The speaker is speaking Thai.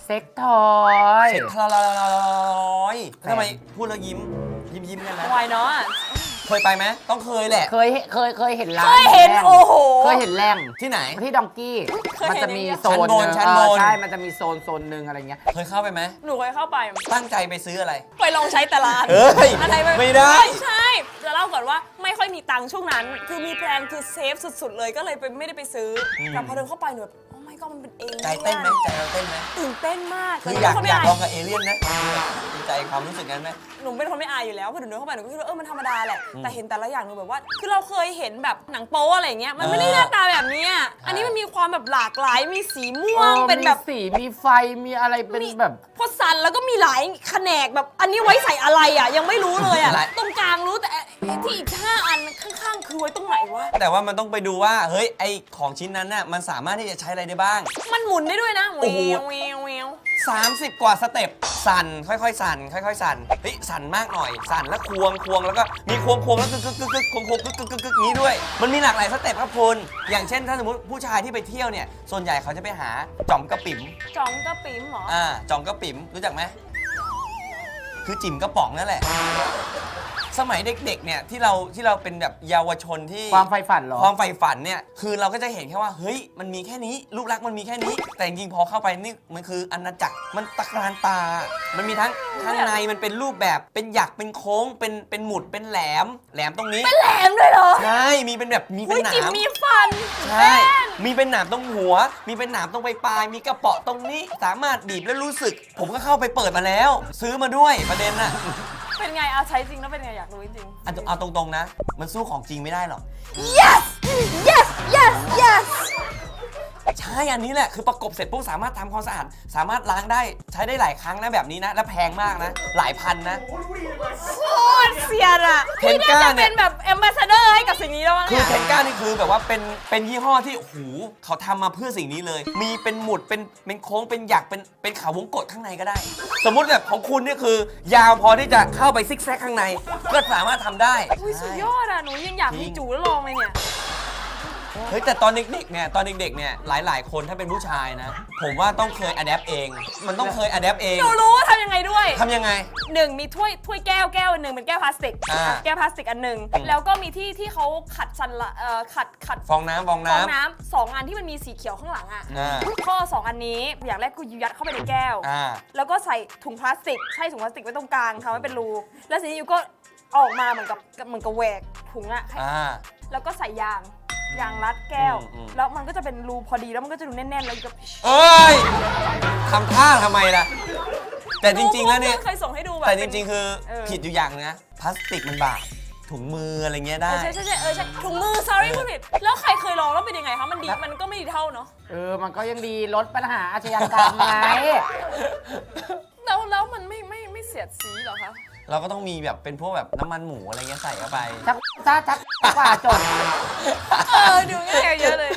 เซ็กทอยเสร็จทลอยทำไมพูดแล้วยิ้มกันนะวายเนาะเคยไปไหมต้องเคยแหละเคยเห็นร้านเคยเห็นแรงโอ้โหเคยเห็นแรงที่ไหนที่ดองกี้เคยเห็นมันจะมีอย่างเงี้ยโซนหนึ่งชั้นบนใช่มันจะมีโซนหนึ่งอะไรเงี้ยเคยเข้าไปไหมหนูเคยเข้าไปตั้งใจไปซื้ออะไรไปลองใช้แต่ร้านเอ้ยอะไรไม่ได้ใช่จะเล่าก่อนว่าไม่ค่อยมีตังค์ช่วงนั้น คือมีแพลนคือเซฟสุดๆเลยก็เลยไม่ได้ไปซื้ออแต่พอเดินเข้าไปหนูแบบโอ้ไม่ก็มันเป็นเองใจเต้นไหมใจเราเต้นไหมตื่นเต้นมากคืออยากแต่หนูอยากเป็นคนลองกับเอเลี่ยนนะดีใจความรู้สึกนั้นไหมหนูเป็นคนไม่อายอยู่แล้วพอหนูเดินเข้าไปหนูก็คิดว่ามันธรรมดาแหละแต่เห็นแต่ละอย่างหนูแบบว่าคือเราเคยเห็นแบบหนังโป๊อะไรอย่างเงี้ยมันไม่ได้หน้าตาแบบนี้อะอันนี้มันมีความแบบหลากหลายมีสีม่วงเป็นแบบมีสีมีไฟมีอะไรเป็นแบบพอสั่นแล้วก็มีหลายแขนกแบบอันนี้ไว้ใส่อะไรอ่ะยังไม่รู้เลยอ่ะหลายตรงกลางรู้แต่ที่อีก5 อันข้างๆคือไว้ตรงไหนวะแต่ว่ามันต้องไปดูว่าเฮ้ยไอของชิ้นนั้นน่ะมันสามารถที่จะใช้อะไรได้บ้างมันหมุนได้ด้วยนะโอ้โหเวียวเวียว 30 กว่าสเต็ปสั่นค่อยๆสั่นค่อยๆสั่นเฮ้ยสั่นมากหน่อยสั่นแล้วควงแล้วก็มีควงแล้วกึกควงกึกนี้ด้วย มันมีหลากหลายสเต็ปครับคุณอย่างเช่นถ้าสมมติผู้ชายที่ไปเที่ยวเนี่ยส่วนใหญ่เขาจะไปหาจ่อมกระปิ๋มจ่องกระปิ๋มเหรอจ่อมกระปิ๋มรู้จักไหมคือจิ๋มกระป๋องนั่นแหละ สมัยเด็กๆเนี่ยที่เราเป็นแบบเยาวชนที่ความไฟฝันเหรอความใฝ่ฝันเนี่ยคือเราก็จะเห็นแค่ว่าเฮ้ยมันมีแค่นี้รูปลักษณ์มันมีแค่นี้ แต่จริงๆพอเข้าไปนี่มันคืออาณาจักรมันตะการตา มันมีทั้งข้างในมันเป็นรูปแบบเป็นหยักเป็นโค้งเป็นหมุดเป็นแหลมตรงนี้แหลมด้วยเหรอใช่มีเป็นแบบมีเป็นอุ้ยหนาจิ๋มมมีฟันใช่มีเป็นหนามตรงหัว มีเป็นหนามตรงปลายมีกระเปาะตรงนี้สามารถบีบแล้วรู้สึก ผมก็เข้าไปเปิดมาแล้ว ซื้อมาด้วยประเด็นน่ะเป็นไงเอาใช้จริงแล้วเป็นไงอยากรู้จริงเอาตรงๆนะ มันสู้ของจริงไม่ได้หรอก yes yes yes yes ใช่อันนี้แหละคือประกบเสร็จปุ๊บสามารถทำความสะอาดสามารถล้างได้ใช้ได้หลายครั้งนะแบบนี้นะ และแพงมากนะ หลายพันนะโคตรเสียดอ่ะเทพี่นก้าน่าจะเนี่เป็ยนแบบแอมบาสเดอร์ให้กับสิ่งนี้แล้วมั้งคือเนี่ยเทนก้านี่คือแบบว่าเป็นยี่ห้อที่โอ้โหเขาทำมาเพื่อสิ่งนี้เลย มีเป็นหมุดเป็นโค้งเป็นหยักเป็นขาวงกตข้างในก็ได้ สมมุติแบบของคุณนี่คือยาวพอที่จะเข้าไปซิกแซกข้างใน ก็สามารถทำได้อุ้ยสุดยอดอ่ะหนูยังอยากมีจูแล้วลองเลยเนี่ยเฮ้ยแต่ตอนเด็กๆเนี่ยหลายๆคนถ้าเป็นผู้ชายนะ ผมว่าต้องเคยอะแดปเอง มันต้องเคยอะแดปเองหนูรู้ว่าทำยังไงด้วยทำยังไง 1 มีถ้วยแก้วอันหนึ่งเป็นแก้วพลาสติก แก้วพลาสติกอันหนึ่งแล้วก็มีที่เขาขัดสันละขัดฟองน้ำฟองน้ำ2 อันที่มันมีสีเขียวข้างหลังอ่ะอ่าข้อ2 อันนี้อย่างแรกคือยัดเข้าไปในแก้วอ่าแล้วก็ใส่ถุงพลาสติกใช่ถุงพลาสติกไว้ตรงกลางทำให้เป็นรูแล้วทีนี้ยูก็ออกมาเหมือนกับแหวกถุงอ่ะ แล้วก็ใส่ยางรัดแก้ว แล้วมันก็จะเป็นรูพอดีแล้วมันก็จะดูแน่นๆแล้วก็เอ้ยทำท่าทำไมล่ะ แต่จริงๆแล้วเนี่ยเคยส่งให้ดูแบบแต่จริงๆ คือเออผิดอยู่อย่างนึงนะพลาสติกมันบาดถุงมืออะไรเงี้ยได้ใช่ถุงมือ sorry พูดผิดแล้วใครเคยลองแล้วเป็นยังไงคะมันดีมันก็ไม่ดีเท่าเนาะมันก็ยังดีลดปัญหาอาชญากรรมไงแล้วมันไม่เสียดสีเหรอคะเราก็ต้องมีแบบเป็นพวกแบบน้ำมันหมูอะไรเงี้ยใส่เข้าไปชักกว่าจบดูง่ายกว่าเยอะเลย